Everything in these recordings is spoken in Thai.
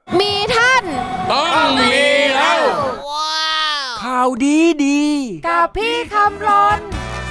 มีท่านต้องมีเราข่าวดีกับพี่คำรน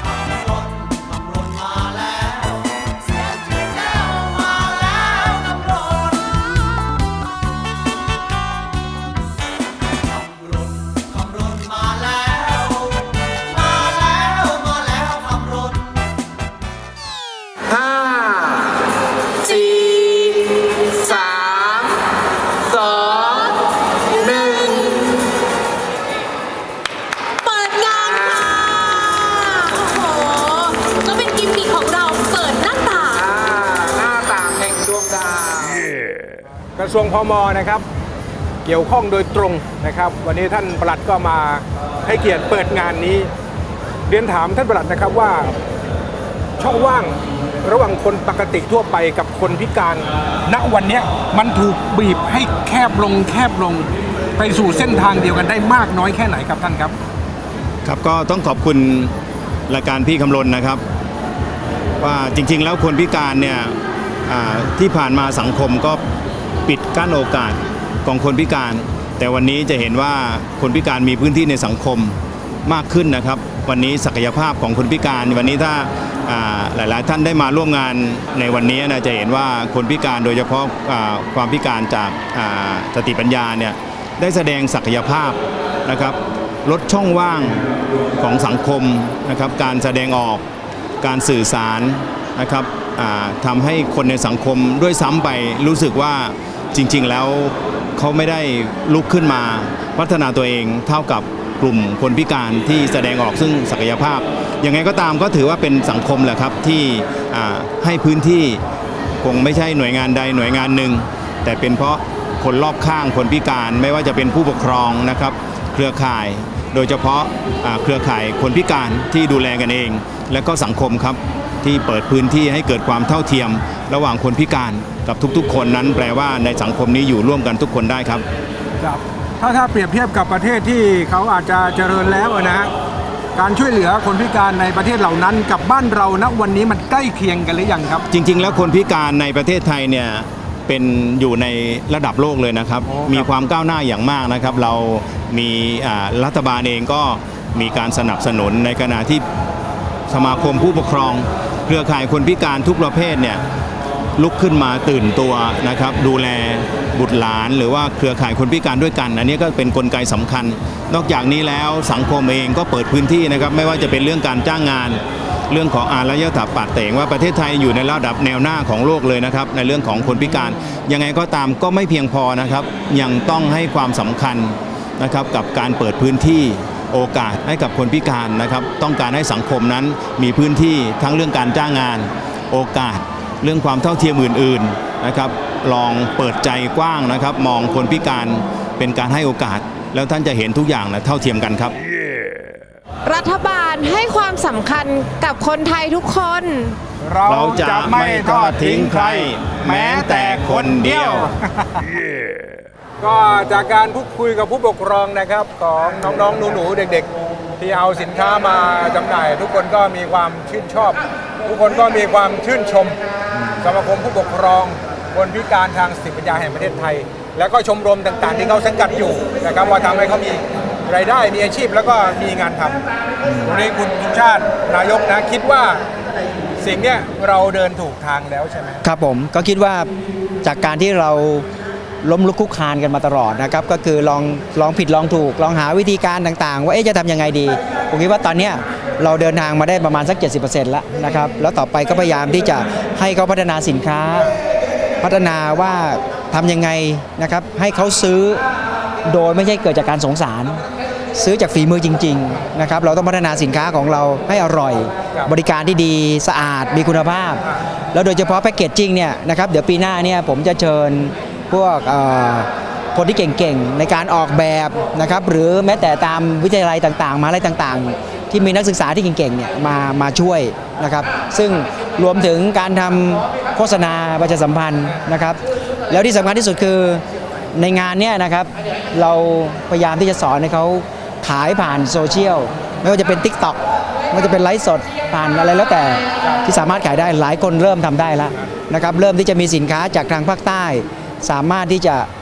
กระทรวงพม.นะครับเกี่ยวข้องโดยตรงนะครับวันนี้ท่านปลัดก็มาให้เกียรติเปิดงานนี้เรียนถามท่านปลัดนะครับว่าช่องว่างระหว่างคนปกติทั่วไปกับคนพิการณวันนี้มันถูกบีบให้แคบลงไปสู่เส้นทางเดียวกันได้มากน้อยแค่ไหนครับท่านครับครับก็ต้องขอบคุณรายการพี่คำรณนะครับว่าจริงๆแล้วคนพิการเนี่ยที่ผ่านมาสังคมก็ปิดกั้นโอกาสของคนพิการแต่วันนี้จะเห็นว่าคนพิการมีพื้นที่ในสังคมมากขึ้นนะครับวันนี้ศักยภาพของคนพิการวันนี้ถ้าหลายๆท่านได้มาร่วมงานในวันนี้นะจะเห็นว่าคนพิการโดยเฉพาะความพิการจากสติปัญญาเนี่ยได้แสดงศักยภาพนะครับลดช่องว่างของสังคมนะครับการแสดงออกการสื่อสารนะครับทำให้คนในสังคมด้วยซ้ำไปรู้สึกว่าจริงๆแล้วเขาไม่ได้ลุกขึ้นมาพัฒนาตัวเองเท่ากับกลุ่มคนพิการที่แสดงออกซึ่งศักยภาพยังไงก็ตามก็ถือว่าเป็นสังคมแหละครับที่ให้พื้นที่คงไม่ใช่หน่วยงานใดหน่วยงานหนึ่งแต่เป็นเพราะคนรอบข้างคนพิการไม่ว่าจะเป็นผู้ปกครองนะครับเครือข่ายโดยเฉพาะเครือข่ายคนพิการที่ดูแลกันเองและก็สังคมครับที่เปิดพื้นที่ให้เกิดความเท่าเทียมระหว่างคนพิการกับทุกๆคนนั้นแปลว่าในสังคมนี้อยู่ร่วมกันทุกคนได้ครับครับถ้าเปรียบเทียบกับประเทศที่เขาอาจจะเจริญแล้วนะฮะการช่วยเหลือคนพิการในประเทศเหล่านั้นกับบ้านเราณวันนี้มันใกล้เคียงกันหรือยังครับจริงๆแล้วคนพิการในประเทศไทยเนี่ยเป็นอยู่ในระดับโลกเลยนะครับมีความก้าวหน้าอย่างมากนะครับเรามีรัฐบาลเองก็มีการสนับสนุนในขณะที่สมาคมผู้ปกครองเครือข่ายคนพิการทุกประเภทเนี่ยลุกขึ้นมาตื่นตัวนะครับดูแลบุตรหลานหรือว่าเครือข่ายคนพิการด้วยกันอันนี้ก็เป็นกลไกสำคัญนอกจากนี้แล้วสังคมเองก็เปิดพื้นที่นะครับไม่ว่าจะเป็นเรื่องการจ้างงานเรื่องของอารยธรรมปาดเตงว่าประเทศไทยอยู่ในระดับแนวหน้าของโลกเลยนะครับในเรื่องของคนพิการยังไงก็ตามก็ไม่เพียงพอนะครับยังต้องให้ความสำคัญนะครับกับการเปิดพื้นที่โอกาสให้กับคนพิการนะครับต้องการให้สังคมนั้นมีพื้นที่ทั้งเรื่องการจ้างงานโอกาสเรื่องความเท่าเทียมอื่นๆนะครับลองเปิดใจกว้างนะครับมองคนพิการเป็นการให้โอกาสแล้วท่านจะเห็นทุกอย่างนะเท่าเทียมกันครับรัฐบาลให้ความสำคัญกับคนไทยทุกคนเราจะไม่ทอดทิ้งใครแม้แต่คนเดียวก็จากการพูดคุยกับผู้ปกครองนะครับของน้องๆหนูๆเด็กๆที่เอาสินค้ามาจำหน่ายทุกคนก็มีความชื่นชอบทุกคนก็มีความชื่นชมสมาคมผู้ปกครองคนพิการทางสติปัญญาแห่งประเทศไทยแล้วก็ชมรมต่างๆที่เขาสังกัดอยู่นะครับว่าทำให้เขามีรายได้มีอาชีพแล้วก็มีงานทำวันนี้คุณชาตินายกนะคิดว่าสิ่งนี้เราเดินถูกทางแล้วใช่ไหมครับผมก็คิดว่าจากการที่เราล้มลุกคลุกคลานกันมาตลอดนะครับก็คือลองผิดลองถูกลองหาวิธีการต่างๆว่าจะทำยังไงดีผมคิดว่าตอนนี้เราเดินทางมาได้ประมาณสัก 70% แล้วนะครับแล้วต่อไปก็พยายามที่จะให้เขาพัฒนาสินค้าพัฒนาว่าทำยังไงนะครับให้เขาซื้อโดยไม่ใช่เกิดจากการสงสารซื้อจากฝีมือจริงๆนะครับเราต้องพัฒนาสินค้าของเราให้อร่อยบริการที่ดีสะอาดมีคุณภาพแล้วโดยเฉพาะแพคเกจจิ้งเนี่ยนะครับเดี๋ยวปีหน้าเนี่ยผมจะเชิญพวกคนที่เก่งๆในการออกแบบนะครับหรือแม้แต่ตามวิทยาลัยต่างๆมหาวิทยาลัยต่างๆที่มีนักศึกษาที่เก่งๆเนี่ยมาช่วยนะครับซึ่งรวมถึงการทำโฆษณาประชาสัมพันธ์นะครับแล้วที่สำคัญที่สุดคือในงานเนี่ยนะครับเราพยายามที่จะสอนให้เขาขายผ่านโซเชียลไม่ว่าจะเป็น TikTok ไม่ว่าจะเป็นไลฟ์สดผ่านอะไรแล้วแต่ที่สามารถขายได้หลายคนเริ่มทำได้แล้วนะครับเริ่มที่จะมีสินค้าจากทางภาคใต้สามารถที่จะ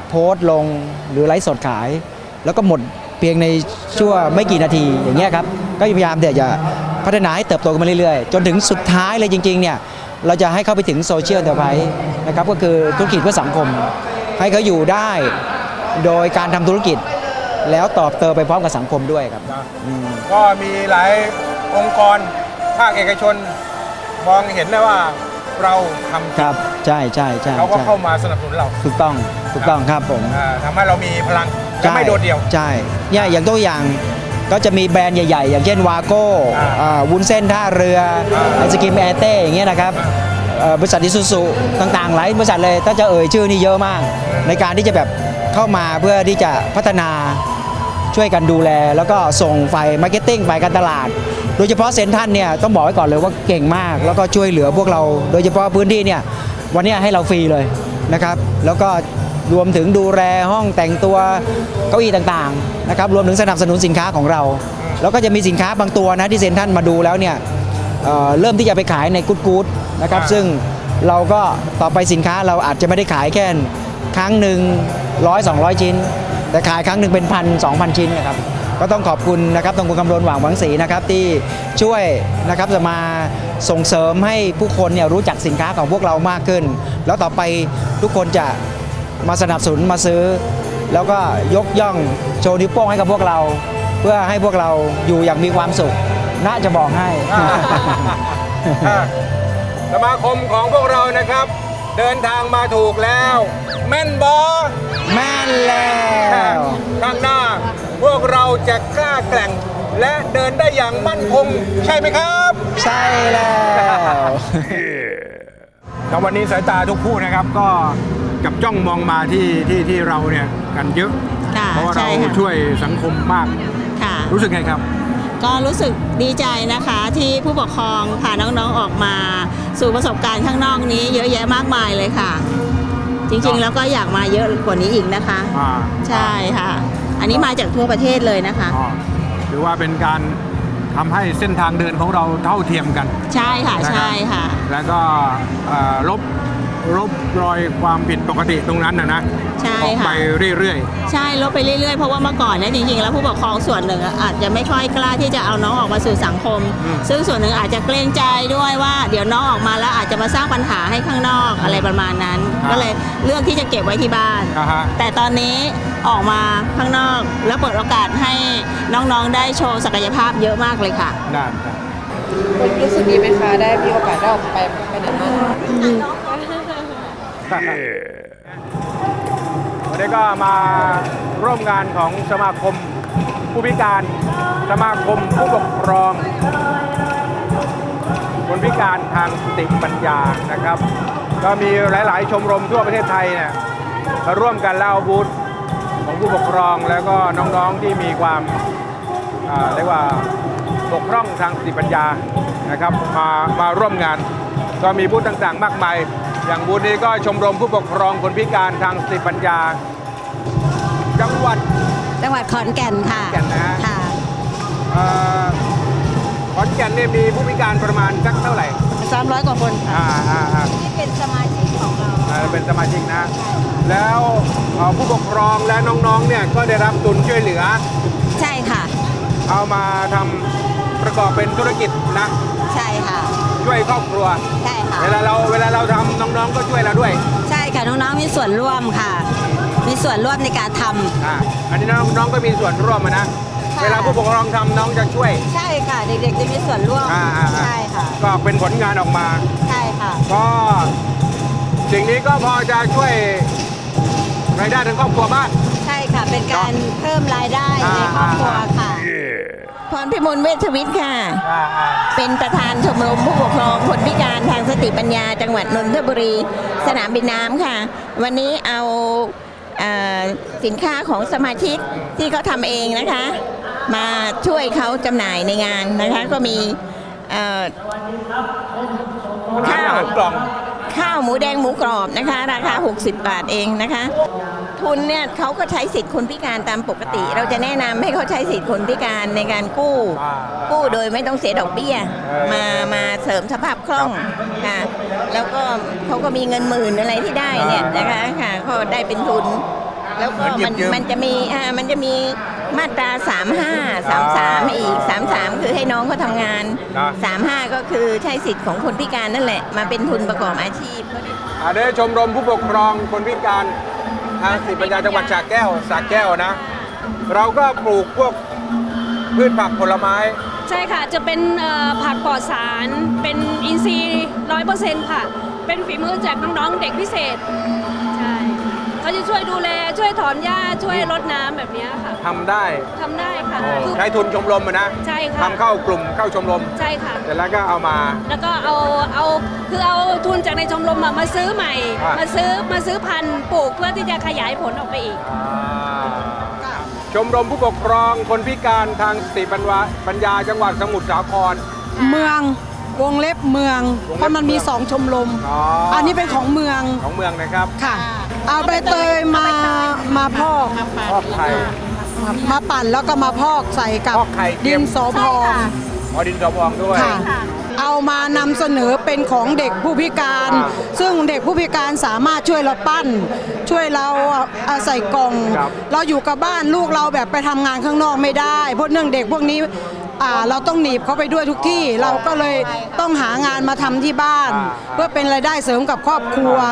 โพสต์ลงหรือไลฟ์สดขาย แล้วก็หมดเพียงในชั่วไม่กี่นาทีอย่างเงี้ยครับก็พยายามเดี๋ยวจะพัฒนาให้เติบโตกันมาเรื่อยๆจนถึงสุดท้ายเลยจริงๆเนี่ยเราจะให้เข้าไปถึงโซเชียลเทอร์ไพรส์นะครับก็คือธุรกิจเพื่อสังคมให้เขาอยู่ได้โดยการทำธุรกิจแล้วตอบโตไปพร้อมกับสังคมด้วยครับก็มีหลายองค์กรภาคเอกชนมองเห็นได้ว่าเราทำครับใช่ใช่ใช่เขาก็เข้ามาสนับสนุนเราถูกต้องครับผมทำให้เรามีพลังจะไม่โดดเดี่ยวใช่เนี่ยอย่างตัวอย่างก็จะมีแบรนด์ใหญ่ๆ อย่างเช่นวาโก้วุ้นเส้นท่าเรือไอศกรีมแอร์เต้อย่างเงี้ยนะครับบริษัทอิซูซูต่างๆหลายบริษัทเลยถ้าจะเอ่ยชื่อนี่เยอะมาก ในการที่จะแบบเข้ามาเพื่อที่จะพัฒนาช่วยกันดูแล แล้วก็ส่งฝ่ายมาร์เก็ตติ้งฝ่ายการตลาด โดยเฉพาะเซ็นทรัลเนี่ยต้องบอกไว้ก่อนเลยว่าเก่งมาก แล้วก็ช่วยเหลือพวกเราโดยเฉพาะพื้นที่เนี่ยวันนี้ให้เราฟรีเลยนะครับแล้วก็รวมถึงดูแลห้องแต่งตัวเก้าอี้ต่างๆนะครับรวมถึงสนับสนุนสินค้าของเรา แล้วก็จะมีสินค้าบางตัวนะที่เซ็นทรัลมาดูแล้วเนี่ยเริ่มที่จะไปขายในกู๊ดนะครับซึ่งเราก็ต่อไปสินค้าเราอาจจะไม่ได้ขายแค่ครั้งหนึ่ง100-200 ชิ้น แต่ขายครั้งหนึ่งเป็น1,000-2,000 ชิ้นนะครับก็ต้องขอบคุณนะครับตรงคุณกำลหว่างหวังศรีนะครับที่ช่วยนะครับจะมาส่งเสริมให้ผู้คนเนี่ยรู้จักสินค้าของพวกเรามากขึ้น แล้วต่อไปทุกคนจะมาสนับสนุนมาซื้อ แล้วก็ยกย่องโชว์นิ้วโป้งให้กับพวกเรา เพื่อให้พวกเราอยู่อย่างมีความสุขน่าจะบอกให้สมาคมของพวกเรานะครับ เดินทางมาถูกแล้ว แม่นบอแม่นแล้วข้างหน้า พวกเราจะกล้าแกร่ง และเดินได้อย่างมั่นคงใช่ไหมครับใช่แล้วแต่วันนี้สายตาทุกผู้นะครับก็จับจ้องมองมาที่เราเนี่ยกันเยอะค่ะเพราะว่าเราใช่ค่ะช่วยสังคมมากค่ะรู้สึกไงครับก็รู้สึกดีใจนะคะที่ผู้ปกครองพาน้องๆออกมาสู่ประสบการณ์ข้างนอกนี้เยอะแยะมากมายเลยค่ะ จริงๆแล้วก็อยากมาเยอะกว่านี้อีกนะคะ ใช่ค่ะ อันนี้มาจากทั่วประเทศเลยนะคะถือว่าเป็นการทำให้เส้นทางเดินของเราเท่าเทียมกันใช่ค่ะนะครับใช่ค่ะแล้วก็ลบรอยความผิดปกติตรงนั้นนะใช่ออกค่ะไปเรื่อยใช่ลดไปเรื่อยๆเพราะว่าเมื่อก่อนเนี่ยจริงๆแล้วผู้ปกครองส่วนหนึ่งอาจจะไม่ค่อยกล้าที่จะเอาน้องออกมาสู่สังคม ซึ่งส่วนหนึ่งอาจจะเกรงใจด้วยว่าเดี๋ยวน้องออกมาแล้วอาจจะมาสร้างปัญหาให้ข้างนอกอะไรประมาณนั้น ก็เลยเลือกที่จะเก็บไว้ที่บ้านๆนะฮะแต่ตอนนี้ออกมาข้างนอกแล้วเปิดโอกาสให้น้องๆได้โชว์ศักยภาพเยอะมากเลยค่ะได้รู้สึกดีไหมคะได้มีโอกาสได้ออกไปไหนมาวันนี้ก็มาร่วมงานของสมาคมผู้พิการสมาคมผู้ปกครองคนพิการทางสติปัญญานะครับ ก็มีหลายๆ ชมรมทั่วประเทศไทยเนี่ยมาร่วมกันเล่าบูธของผู้ปกครองแล้วก็น้องๆที่มีความเรียกว่าบกพร่องทางสติปัญญานะครับมาร่วมงาน ก็มีบูธต่างๆ มากมายอย่างบูธนี้ก็ชมรมผู้ปกครองคนพิการทางสติปัญญา จังหวัดขอนแก่นค่ะขอนแก่นนะฮะค่ะขอนแก่นเนี่ยมีผู้พิการประมาณสักเท่าไหร่ 300 กว่าคนค่ะที่เป็นสมาชิกของเราเป็นสมาชิกนะ แล้วผู้ปกครองและน้องๆเนี่ยก็ได้รับทุนช่วยเหลือใช่ค่ะเอามาทำประกอบเป็นธุรกิจนะใช่ค่ะช่วยครอบครัวใช่ค่ะเวลาเราทำน้องๆก็ช่วยเราด้วยใช่ค่ะ น้องๆ มีส่วนร่วมค่ะ มีส่วนร่วมในการทำอันนี้น้องๆก็มีส่วนร่วมนะค่ะเวลาผู้ปกครองทำน้องจะช่วยใช่ค่ะ เด็กๆ จะมีส่วนร่วม ใช่ค่ะก็เป็นผลงานออกมาใช่ค่ะก็สิ่งนี้ก็พอจะช่วยรายได้ทางครอบครัวบ้างใช่ค่ะ เป็นการเพิ่มรายได้ในครอบครัวค่ะพรพิมลเวชวิทย์ค่ะ เป็นประธานชมรมผู้ปกครองคนพิการทางสติปัญญาจังหวัดนนทบุรีสนามบินน้ำค่ะ วันนี้เอาสินค้าของสมาชิกที่เขาทำเองนะคะ มาช่วยเขาจำหน่ายในงานนะคะ ก็มีข้าวกล่องข้าวหมูแดงหมูกรอบนะคะ ราคา 60 บาทเองนะคะ ทุนเนี่ยเขาก็ใช้สิทธิ์คนพิการตามปกติ เราจะแนะนำให้เขาใช้สิทธิ์คนพิการในการกู้โดยไม่ต้องเสียดอกเบี้ยมาเสริมสภาพคล่องค่ะแล้วก็เขาก็มีเงินหมื่นอะไรที่ได้เนี่ยนะคะค่ะก็ได้เป็นทุนแล้วก็เหมือนหยิบยืมมันจะมีมาตรา 35 33 อีก 33 คือให้น้องเขาทำงาน 35 ก็คือใช้สิทธิ์ของคนพิการนั่นแหละ มาเป็นทุนประกอบอาชีพได้ชมรมผู้ปกครองคนพิการทางสติปัญญาจังหวัดสระแก้วนะ เราก็ปลูกพวกพืชผักผลไม้ใช่ค่ะ จะเป็นผักปลอดสาร เป็นอินทรีย์ 100%ค่ะ เป็นฝีมือจากน้องๆเด็กพิเศษ ใช่ เขาจะช่วยดูแล ช่วยถอนหญ้า ช่วยรดน้ำแบบเนี้ยค่ะทำได้ทำได้ค่ะคือใช้ทุนชมรมอะนะใช่ค่ะทำเข้ากลุ่มเข้าชมรมใช่ค่ะเสร็จแล้วก็เอามาแล้วก็เอาทุนจากในชมรมมาซื้อใหม่อ่ะมาซื้อพันธุ์ปลูกเพื่อที่จะขยายผลออกไปอีกชมรมผู้ปกครองคนพิการทางสติปัญญาจังหวัดสมุทรสาครเมืองวงเล็บเมือง เพราะมันมีสองชมรม อันนี้เป็นของเมืองของเมืองนะครับค่ะ เอาใบเตยมาพอกพอกไข่มาปั่นแล้วก็มาพอกใส่กับพอกไข่เค็ดิมนสอพองดินสอพองด้วยค่ะ เอามานำเสนอเป็นของเด็กผู้พิการอ่าซึ่งเด็กผู้พิการสามารถช่วยเราปั้น ช่วยเราใส่กล่องครับเราอยู่กับบ้านลูกเราแบบไปทำงานข้างนอกไม่ได้เพราะเนื่องเด็กพวกนี้เราต้องหนีบเขาไปด้วยทุกที่ เราก็เลยต้องหางานมาทำที่บ้าน เพื่อเป็นรายได้เสริมกับครอบครัว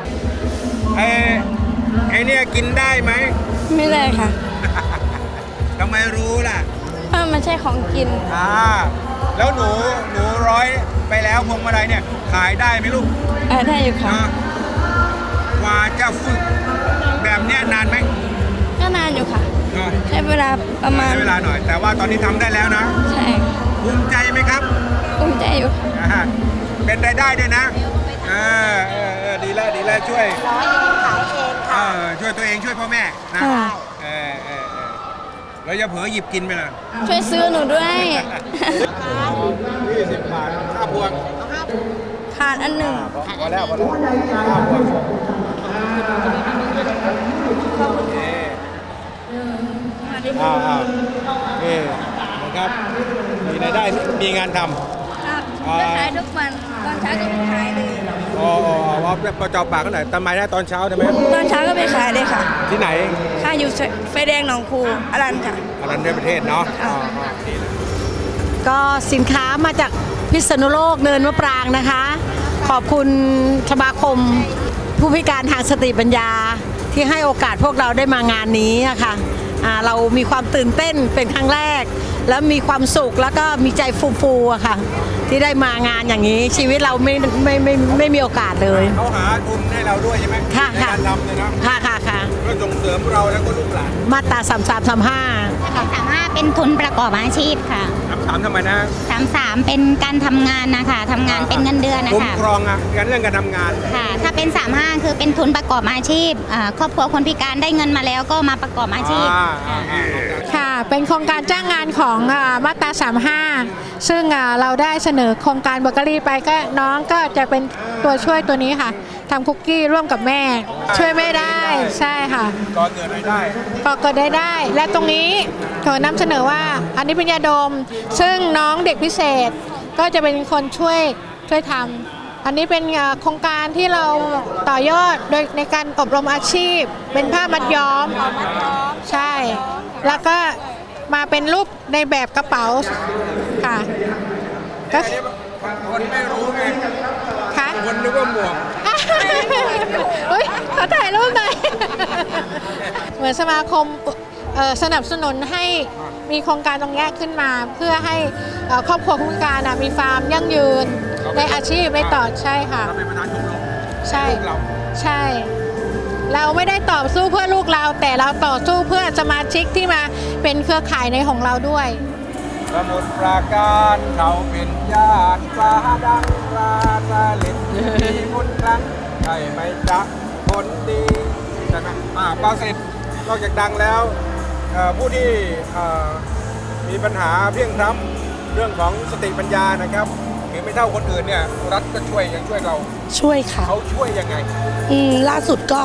ไอ้เนี่ยกินได้ไหมไม่ได้ค่ะทำไมรู้ล่ะเพราะมันใช่ของกินแล้วหนูร้อยไปแล้วพวงมาลัยเนี่ยขายได้ไหมลูกได้อยู่ค่ะกว่าจะฝึกแบบเนี้ยนานไหมก็นานอยู่ค่ะ ใช้เวลาประมาณใช้เวลาหน่อย แต่ว่าตอนนี้ทำได้แล้วนะใช่ภูมิใจไหมครับภูมิใจอยู่ค่ะเป็นรายได้ด้วยนะดีแล้วช่วยช่วยตัวเองช่วยพ่อแม่นะค่ะแล้วจะเผลอหยิบกินไปล่ะช่วยซื้อหนูด้วย 20 บาทค่าพวงขาดอันหนึ่งพอแล้วค่าพวงนี่นะครับมีรายได้มีงานทำได้ขายทุกวัน ตอนเช้าก็ไปขายเลยว่าประจอบปากกันหน่อยทำไมนะตอนเช้าใช่ไหมตอนเช้าก็ไปขายเลยค่ะที่ไหนค่าอยู่ไฟแดงหนองคูอรันค่ะอรัญญประเทศเนาะก็สินค้ามาจากพิษณุโลกเนินมะปรางนะคะ ขอบคุณสมาคมผู้พิการทางสติปัญญาที่ให้โอกาสพวกเราได้มางานนี้อะค่ะเรามีความตื่นเต้นเป็นครั้งแรก แล้วมีความสุขแล้วก็มีใจฟูๆอะค่ะ ที่ได้มางานอย่างนี้ชีวิตเราไม่มีโอกาสเลยเขาหาทุนให้เราด้วยใช่ไหมค่ะในการทำเลยนะค่ะเพื่อส่งเสริมเราแล้วก็ลูกหลานมาตรา 35เป็นทุนประกอบอาชีพค่ะถามทำไมนะ 33เป็นการทำงานนะคะทำงานเป็นเงินเดือนนะคุ้มคะครองเรื่องการทำงานค่ะ ถ้าเป็น35คือเป็นทุนประกอบอาชีพครอบครัวคนพิการได้เงินมาแล้วก็มาประกอบอาชีพค่ะ เป็นโครงการจ้างงานของมาตรา35ซึ่งเราได้เสนอโครงการเบเกอรี่ไปก็น้องก็จะเป็นตัวช่วยตัวนี้ค่ะทำคุกกี้ร่วมกับแม่ ช่วยแม่ได้ใช่ค่ะก็เกิดรายได้ก็เกิดได้ และตรงนี้ขอนำเสนอว่าอันนี้เป็นยาดม ซึ่งน้องเด็กพิเศษก็จะเป็นคนช่วยทำอันนี้เป็นโครงการที่เราต่อยอดโดยในการอบรมอาชีพ เป็นผ้ามัดย้อมใช่ แล้วก็มาเป็นรูปในแบบกระเป๋าค่ะก็คนไม่รู้ไงค่ะคนนึกว่าหมวกอุ๊ยขอถ่ายรูปหน่อย เหมือนสมาคมสนับสนุนให้มีโครงการตรงนี้ขึ้นมาเพื่อให้ครอบครัวผู้พิการมีฟาร์มยั่งยืนในอาชีพในต่อใช่ค่ะเราเป็นประธานชมรมใช่ลูกเราใช่ เราไม่ได้ต่อสู้เพื่อลูกเรา แต่เราต่อสู้เพื่อสมาชิกที่มาเป็นเครือข่ายในของเราด้วยสมุทรปราการเขาเป็นญาติฟ้าดังราซาลินมีมุนรังใช่ไหมจ๊ะคนดีใช่ไหมปราสิทธิ์นอกจากดังแล้วผู้ที่มีปัญหาเพียงพร้ำเรื่องของสติปัญญานะครับหรือไม่เท่าคนอื่นเนี่ยรัฐก็ช่วยเราช่วยค่ะเขาช่วยยังไงล่าสุดก็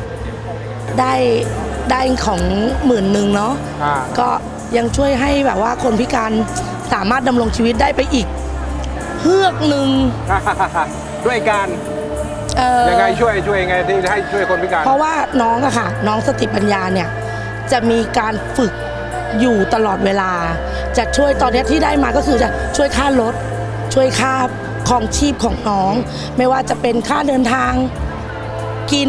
ได้ของ10,000เนาะก็ยังช่วยให้แบบว่าคนพิการสามารถดำรงชีวิตได้ไปอีกเฮือกหนึ่งด้วยการยังไงช่วยยังไงที่ให้ช่วยคนพิการเพราะว่าน้องอะค่ะน้องสติปัญญาเนี่ยจะมีการฝึกอยู่ตลอดเวลา จะช่วยตอนนี้ที่ได้มาก็คือจะช่วยค่ารถช่วยค่าของชีพของน้อง ไม่ว่าจะเป็นค่าเดินทางกิน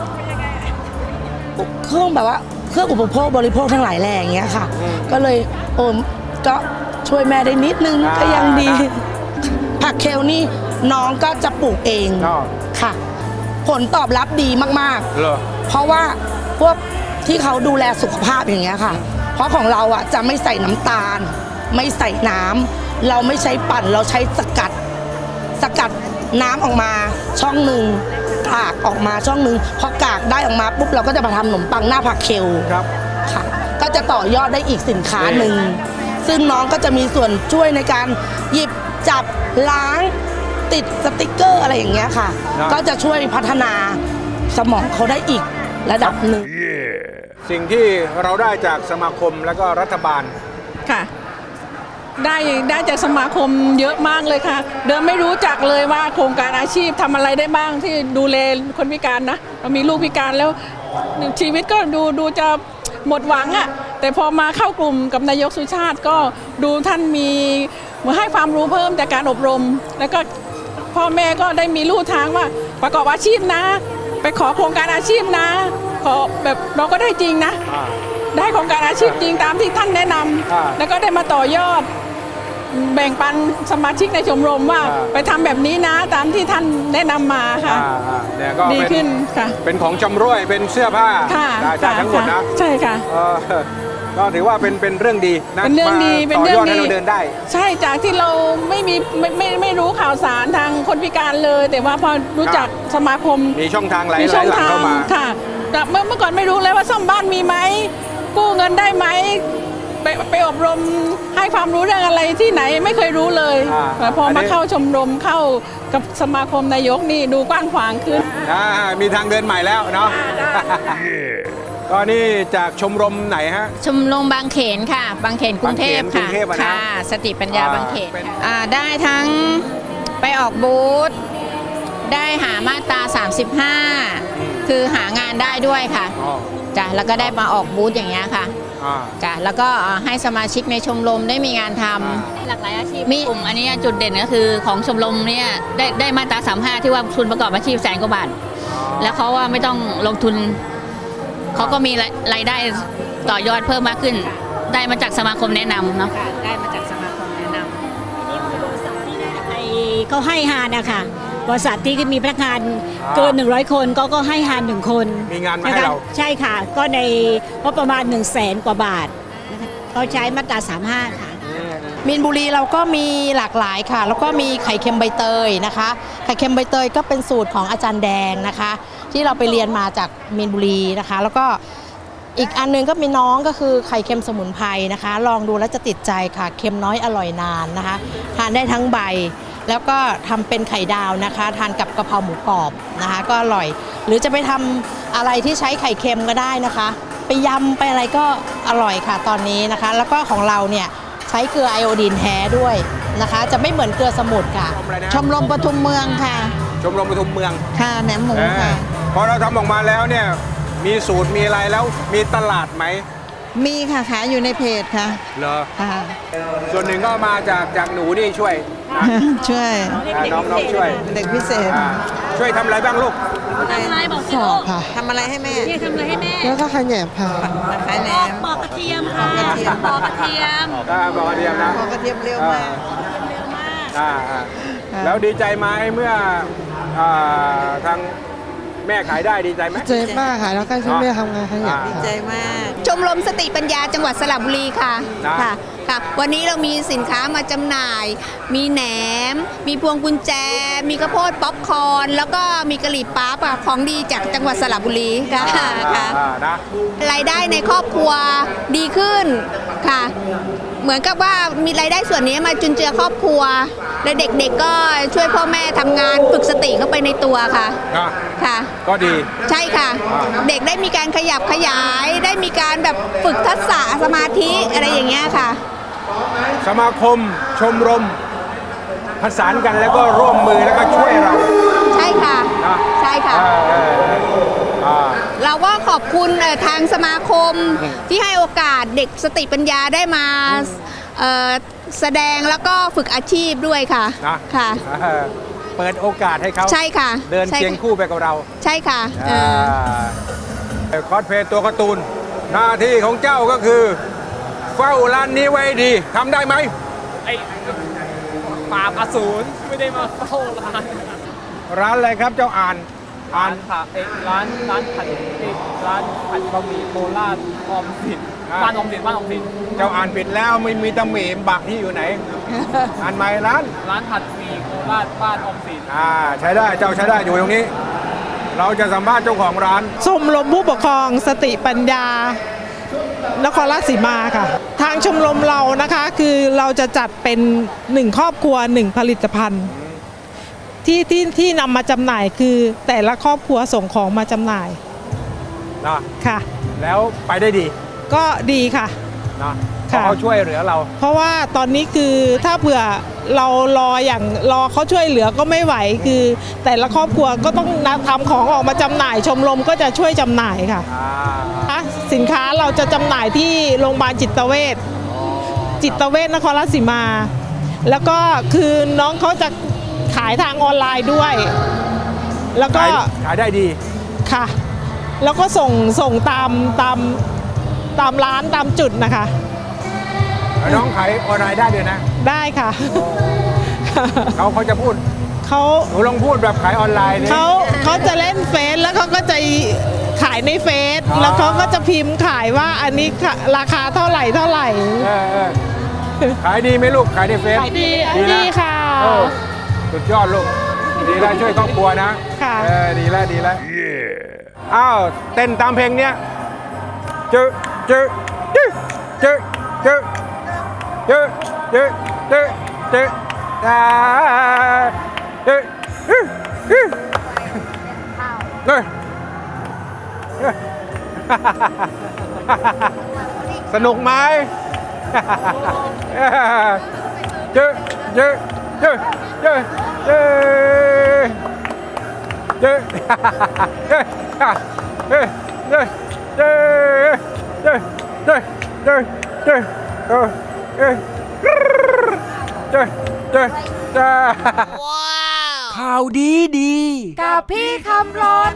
เครื่องแบบว่าเครื่องอุปโภคบริโภคทั้งหลายแหล่อย่างเงี้ยค่ะก็เลยก็ช่วยแม่ได้นิดนึงก็ยังดีผักเคลนี่น้องก็จะปลูกเองค่ะผลตอบรับดีมากๆเพราะว่าพวกที่เขาดูแลสุขภาพอย่างเงี้ยค่ะเพราะของเราอ่ะจะไม่ใส่น้ำตาลไม่ใส่น้ำเราไม่ใช้ปั่นเราใช้สกัดน้ำออกมาช่องหนึ่งกากออกมาช่องหนึ่งพอกากได้ออกมาปุ๊บเราก็จะมาทำขนมปังหน้าผักเคลค่ะก็จะต่อยอดได้อีกสินค้าหนึ่งซึ่งน้องก็จะมีส่วนช่วยในการหยิบจับล้างติดสติกเกอร์อะไรอย่างเงี้ยค่ะก็จะช่วยพัฒนาสมองเขาได้อีกระดับหนึ่งสิ่งที่เราได้จากสมาคมและก็รัฐบาลค่ะได้จากสมาคมเยอะมากเลยค่ะเดิมไม่รู้จักเลยว่าโครงการอาชีพทำอะไรได้บ้างที่ดูแลคนพิการนะเรามีลูกพิการแล้วชีวิตก็ดูจะหมดหวังอะแต่พอมาเข้ากลุ่มกับนายกสุชาติก็ดูท่านมีมาให้ความรู้เพิ่มจากการอบรมแล้วก็พ่อแม่ก็ได้มีลู่ทางว่าประกอบอาชีพนะไปขอโครงการอาชีพนะขอแบบเราก็ได้จริงนะได้โครงการอาชีพจริงตามที่ท่านแนะนำแล้วก็ได้มาต่อยอดแบ่งปันสมาชิกในชมรมว่าไปทำแบบนี้นะตามที่ท่านแนะนำมาค่ะดีขึ้นค่ะเป็นของจำร่วยเป็นเสื้อผ้าได้ทั้งหมดนะใช่ค่ะก็ถือว่าเป็นเรื่องดีนะเป็นเรื่องดีเป็นเรื่องดีให้เราเดินได้ใช่จากที่เราไม่รู้ข่าวสารทางคนพิการเลยแต่ว่าพอรู้จักสมาคมมีช่องทางหลายเข้ามาค่ะแต่เมื่อก่อนไม่รู้เลยว่าซ่อมบ้านมีไหมกู้เงินได้ไหมไปอบรมให้ความรู้เรื่องอะไรที่ไหนไม่เคยรู้เลยแต่พอมาเข้าชมรมเข้ากับสมาคมนายกนี่ดูกว้างขวางขึ้นมีทางเดินใหม่แล้วเนาะก็นี่จากชมรมไหนฮะชมรมบางเขนค่ะบางเขนกรุงเทพค่ะสติปัญญาบางเขนได้ทั้งไปออกบูธได้หามาตรา35คือหางานได้ด้วยค่ะจ้ะแล้วก็ได้มาออกบูธอย่างเงี้ยค่ะจ้ะแล้วก็ให้สมาชิกในชมรมได้มีงานทำหลากหลายอาชีพมีกลุ่มอันนี้จุดเด่นก็คือของชมรมเนี่ยได้มาตรา35ที่ว่าทุนประกอบอาชีพ100,000 กว่าบาทแล้วเขาว่าไม่ต้องลงทุนเขาก็มีรายได้ต่อยอดเพิ่มมากขึ้นได้มาจากสมาคมแนะนำเนาะได้มาจากสมาคมแนะนำนี่คือบริษัทที่เขาให้ฮานนะคะบริษัทที่มีพนักงานเกิน100 คนก็ให้ฮาน1 คนมีงานมาให้เราใช่ค่ะก็ในก็ประมาณ100,000 กว่าบาทเขาใช้มาตรา35ค่ะมีนบุรีเราก็มีหลากหลายค่ะแล้วก็มีไข่เค็มใบเตยนะคะไข่เค็มใบเตยก็เป็นสูตรของอาจารย์แดงนะคะที่เราไปเรียนมาจากมีนบุรีนะคะแล้วก็อีกอันนึงก็มีน้องก็คือไข่เค็มสมุนไพรนะคะลองดูแล้วจะติดใจค่ะเค็มน้อยอร่อยนานนะคะทานได้ทั้งใบแล้วก็ทำเป็นไข่ดาวนะคะทานกับกะเพราหมูกรอบนะคะก็อร่อยหรือจะไปทำอะไรที่ใช้ไข่เค็มก็ได้นะคะไปยำไปอะไรก็อร่อยค่ะตอนนี้นะคะแล้วก็ของเราเนี่ยใช้เกลือไอโอดีนแท้ด้วยนะคะจะไม่เหมือนเกลือสมุทรค่ะชมรมปทุมเมืองค่ะชมรมปทุมเมืองค่ะแหนมหมูค่ะพอเราทำออกมาแล้วเนี่ยมีสูตรมีอะไรแล้วมีตลาดไหมมีค่ะขายอยู่ในเพจค่ะเหรอส่วนหนึ่งก็มาจากหนูนี่ช่วยน้องช่วยเด็กพิเศษช่วยทำอะไรบ้างลูกทำอะไรบอกสิลูกทำอะไรให้แม่ทำอะไรให้แม่แล้วก็ขายแหนมค่ะขายแหนมปอกกระเทียมค่ะปอกกระเทียมปอกกระเทียมนะปอกกระเทียมเร็วมากแล้วดีใจไหมเมื่อทางแม่ขายได้ดีใจไหมดีใจมากค่ะแล้วก็ช่วยแม่ทำงานขยันดีใจมากชมรมสติปัญญาจังหวัดสระบุรีค่ะค่ะวันนี้เรามีสินค้ามาจำหน่ายมีแหนมมีพวงกุญแจมีข้าวโพดป๊อปคอร์นแล้วก็มีกะหรี่ปั๊บของดีจากจังหวัดสระบุรีค่ะรายได้ในครอบครัวดีขึ้นค่ะเหมือนกับว่ามีรายได้ส่วนนี้มาจุนเจือครอบครัวและเด็กๆก็ช่วยพ่อแม่ทำงานฝึกสติเข้าไปในตัวค่ะค่ะก็ดีใช่ค่ะเด็กได้มีการขยับขยายได้มีการแบบฝึกทักษะสมาธิอะไรอย่างเงี้ยค่ะสมาคมชมรมผสานกันแล้วก็ร่วมมือแล้วก็ช่วยเราใช่ค่ะค่ะ เราก็ขอบคุณทางสมาคมที่ให้โอกาสเด็กสติปัญญาได้มาแสดงแล้วก็ฝึกอาชีพด้วยค่ะ ค่ะเปิดโอกาสให้เขาใช่ค่ะเดินเคียงคู่ไปกับเราใช่ค่ะคอสเพลย์ตัวการ์ตูนหน้าที่ของเจ้าก็คือเฝ้าร้านนี้ไว้ดีทำได้ไหมปราบอสูรไม่ได้มาเฝ้าร้านร้านอะไรครับเจ้าอ่านร้านผัดร้านผัดบะหมี่โคราชออมสินบ้านออมสินเจ้าอ่านปิดแล้วไม่มีตำหนิบักที่อยู่ไหน อ่านใหม่ร้านผัดหมี่โคราชบ้านออมสินใช้ได้เจ้าใช้ได้อยู่ตรงนี้ เราจะสัมภาษณ์เจ้าของร้านชมรมผู้ปกครองสติปัญญานครราชสีมาค่ะทางชมรมเรานะคะคือเราจะจัดเป็น1ครอบครัว1ผลิตภัณฑ์ที่นำมาจำหน่ายคือแต่ละครอบครัวส่งของมาจำหน่ายนะค่ะแล้วไปได้ดีก็ดีค่ะนะเขาช่วยเหลือเราเพราะว่าตอนนี้คือถ้าเผื่อเรารอเขาช่วยเหลือก็ไม่ไหวคือแต่ละครอบครัวก็ต้องทำของออกมาจำหน่ายชมรมก็จะช่วยจำหน่ายค่ะสินค้าเราจะจำหน่ายที่โรงพยาบาลจิตเวชนครราชสีมา แล้วก็คือน้องเขาจะขายทางออนไลน์ด้วยแล้วก็ขายได้ดีค่ะแล้วก็ส่งตามร้านตามจุดนะคะน้องขายออนไลน์ได้ด้วยนะได้ค่ะเขาจะพูดหนูลองพูดแบบขายออนไลน์เขาจะเล่นเฟซแล้วเขาก็จะขายในเฟซแล้วเขาก็จะพิมพ์ขายว่าอันนี้ราคาเท่าไหร่ขายดีไหมลูกขายในเฟซขายดีค่ะสุดยอดลูกดีแล้วช่วยครอบครัวนะค่ะดีแล้วอ้าวเต้นตามเพลงเนี้ยเจอสนุกไหมเจอข่าวดีกับพี่คำรณ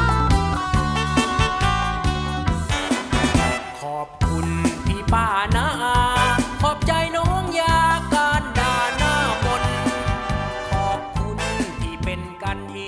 ขอบคุณพี่ป้านะ